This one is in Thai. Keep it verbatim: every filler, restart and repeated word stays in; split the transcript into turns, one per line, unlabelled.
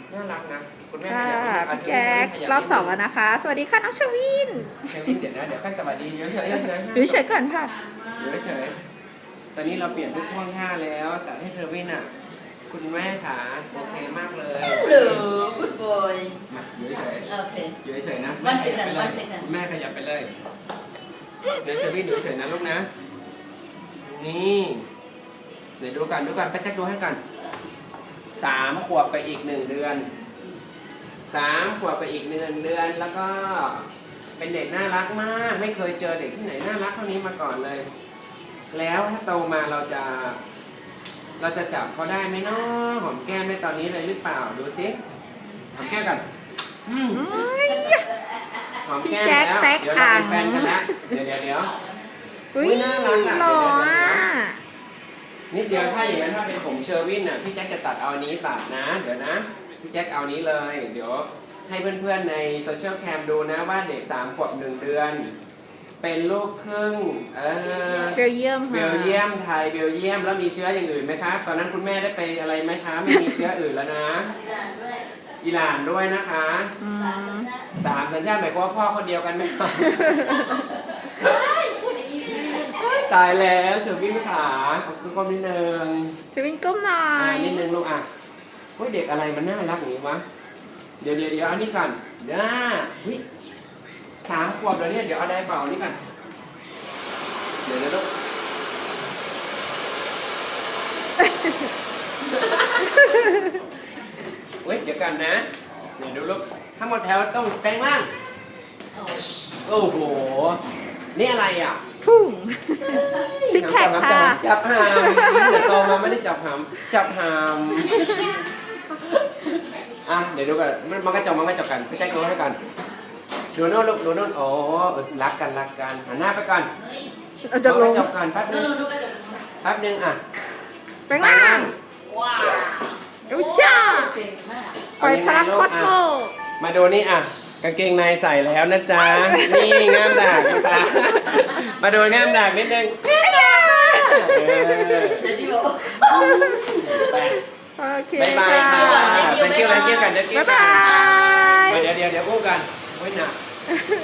น่ารักนะคุณแม่
ค่ะ
ขยับ
พี่แจ๊ครอบสองแล้วนะคะ สวัสดีค่ะน้องชวิน
เชวินเดี๋ยวนะเดี๋ยวแป้งสวัสดีเยอะเฉยเฉย
หรือเฉยก่อนค่ะ
เยอะเฉยตอนนี้เราเปลี่ยนทุกท่วงท่าแล้ว แต่ให้เชวินอ่ะคุณแม่ขาโอเคมากเลย
Hello, good boy.
มาอยู่เฉย
Okay.
อยู่เฉยนะ
One second, one second.
แม่ขยับไปเลยเดี๋ยวเชวินอยู่เฉยนะลูกนะนี่เดี๋ยวดูกันดูกันไปเช็คดูให้กันสามขวบกับอีกหนึ่งเดือนสามขวบกับอีกหนึ่งเดือนแล้วก็เป็นเด็กน่ารักมากไม่เคยเจอเด็กที่ไหนน่ารักเท่านี้มาก่อนเลย แล้วถ้าโตมาเราจะ เราจะจับเขาได้ไหมเนาะหอมแก้มได้ตอนนี้เลยหรือเปล่าดูสิหอมแก้มกันอืมหอมแก้มแล้ว
พี่แจ๊คแตก
เดี๋ยวเราเป็น
อ่าง
แฟนกันแล้วเดี๋ยวเดี๋ยวเดี๋ยว
อุ้ย
อุ๊ยน่ารักอะ
หล่อ
เดี๋ยวเดี๋ยวเดี๋ยว
อ่ะ
นิดเดียวถ้าอย่างนั้นถ้าเป็นผมเชอร์วินน่ะพี่แจ็คจะตัดเอาอันนี้ตัดนะเดี๋ยวนะพี่แจ็คเอานี้เลยเดี๋ยวให้เพื่อนๆในโซเชียลแคมดูนะว่าเด็กสามขวบหนึ่งเดือน เป็นลูกครึ่งเออ
เบลเยียม
เบ
ค่ะ
ลเยียมไทยเบลเยียมแล้วมีเชื้ออย่างอื่นไหมคะตอนนั้นคุณแม่ได้ไปอะไรไหมคะไม่มีเชื้ออื่นแล้วนะอิหร่านด้วยนะคะ
อืม
สามสัญชาติหมายความว่าพ่อคนเดียวกันไหมคะตายแล้วเฉยวิ่งขาขอบคุณก้มนิดนึง
ชวินก้มหน่อ
อ่าย นิดนึงลูกอ่ะเฮ้ยเด็กอะไรมันน่ารักอย่างนี้วะเดี๋ยวเดี๋ยวเดี๋ยวเอานี่ก่อนเดี๋ยวเฮ้ยสามขวบแล้วเนี่ยเดี๋ยวเอาได้เปล่าเอานี่ก่อนเดี๋ยวนะลูก เว้ยเดี๋ยวกันนะเดี๋ยวดูลูกทั้งหมดแถวต้องแปลงร่างโอ้โหนี่อะไรอ่ะ
พุ่งซิกแพคค่ะ
จับหามเดี๋ยวโตมาไม่ได้จับหามจับหามอ่ะเดี๋ยวดูกันมันมันก็จับมันก็จับกันพี่แจ็คดูให้กันดูโน่นลูกดูโน่นโอ้เออรักกันรักกันหันหน้าไปก่อน
เอาจะลง
จับกันแป๊บนึง
No, no, look at the
แป๊บนึงอ่ะ
แปลงร่าง
Wow.
เอวช่า
Okay,
ปล่อยพลังคอสโม
มาดูนี่อ่ะกางเกงในใส่แล้วนะจ๊ะ นี่ง่ามดากนะจ๊ะมาดูง่ามดากนิดนึงเออ
Jadi bawa.
ไป
โอเค
บายบายค่ะ
ค่ะ
thank you thank you กัน thank you
บ๊าย
กัน
บาย
มาเดี๋ยวเดี๋ยวเดี๋ยวอู้กันโอ้ยหนัก